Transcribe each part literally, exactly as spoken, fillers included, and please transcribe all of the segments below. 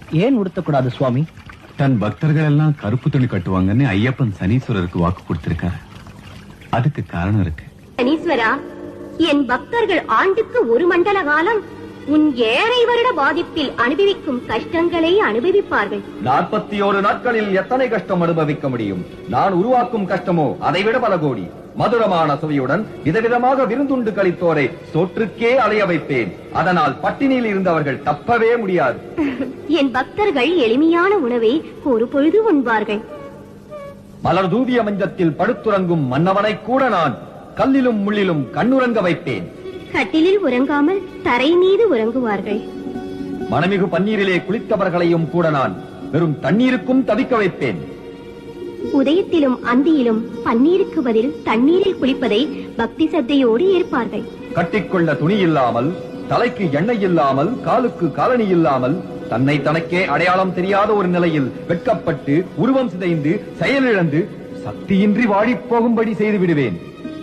ஏன் உடுத்தக்கூடாது சுவாமி? தன் பக்தர்கள் எல்லாம் கருப்பு துணி கட்டுவாங்கன்னு ஐயப்பன் சனீஸ்வரருக்கு வாக்கு கொடுத்திருக்காரு. அதுக்கு காரணம் இருக்கு. சனீஸ்வரா, என் பக்தர்கள் ஆண்டுக்கு ஒரு மண்டல காலம் உன் ஏழை வருட பாதிப்பில் அனுபவிக்கும் கஷ்டங்களை அனுபவிப்பார்கள். நாற்பத்தி ஓரு நாட்களில் எத்தனை கஷ்டம் அனுபவிக்க முடியும்? நான் உருவாக்கும் கஷ்டமோ அதைவிட பல கோடி. மதுரமான சுவையுடன் விதவிதமாக விருந்துண்டு கழித்தோரை சோற்றுக்கே அலைய வைப்பேன். அதனால் பட்டினியில் இருந்தவர்கள் தப்பவே முடியாது. என் பக்தர்கள் எளிமையான உணவை ஒரு பொழுது உண்பார்கள். மலர் தூவிய மஞ்சத்தில் படுத்துறங்கும் மன்னவனை கூட நான் கல்லிலும் முள்ளிலும் கண்ணுறங்க வைப்பேன். கட்டிலில் உறங்காமல் தரை மீது உறங்குவார்கள். மனமிகு பன்னீரிலே குளித்தவர்களையும் கூட நான் வெறும் தண்ணீருக்கும் தவிக்க வைப்பேன். உதயத்திலும் அந்தியிலும் பன்னீருக்கு பதில் தண்ணீரில் குளிப்பதை பக்தி சத்தையோடு ஏற்பார்கள். கட்டிக்கொள்ள துணி இல்லாமல், தலைக்கு எண்ணெய் இல்லாமல், காலுக்கு காலணி இல்லாமல், தன்னை தனக்கே அடையாளம் தெரியாத ஒரு நிலையில் வெட்கப்பட்டு உருவம் சிதைந்து செயலிழந்து சக்தியின்றி வாடிப் போகும்படி செய்து விடுவேன்.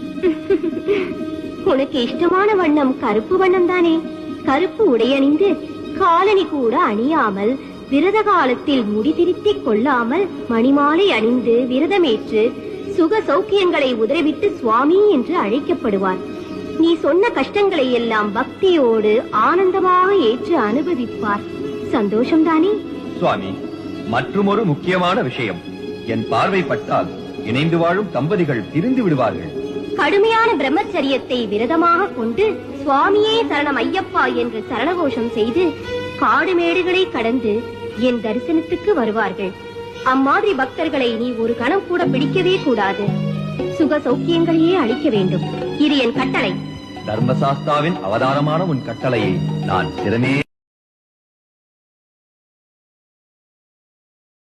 உனக்கு இஷ்டமான வண்ணம் கருப்பு வண்ணம் தானே? கருப்பு உடையணிந்து காலணி கூட அணியாமல், விரத காலத்தில் முடி திருத்திக் கொள்ளாமல், மணிமாலை அணிந்து விரதமேற்று சுக சௌக்கியங்களை உதறிவிட்டு சுவாமி என்று அழைக்கப்படுவார். நீ சொன்ன கஷ்டங்களை எல்லாம் பக்தியோடு ஆனந்தமாக ஏற்று அனுபவிப்பார். சந்தோஷம்தானே? சுவாமி, மற்றுமொரு முக்கியமான விஷயம். என் பார்வை பட்டால் இணைந்து வாழும் தம்பதிகள் பிரிந்து விடுவார்கள். கடுமையான பிரம்மச்சரியத்தை விரதமாக கொண்டு சுவாமியே சரணம் ஐயப்பா என்று சரணகோஷம் செய்து காடு மேடுகளை கடந்து என் தரிசனத்துக்கு வருவார்கள். அம்மாதிரி பக்தர்களை நீ ஒரு கணம் கூட பிடிக்கவே கூடாது. சுக சௌக்கியங்களையே அளிக்க வேண்டும். இது என் கட்டளை. தர்மசாஸ்தாவின் அவதாரமான உன் கட்டளையை நான் சிறமே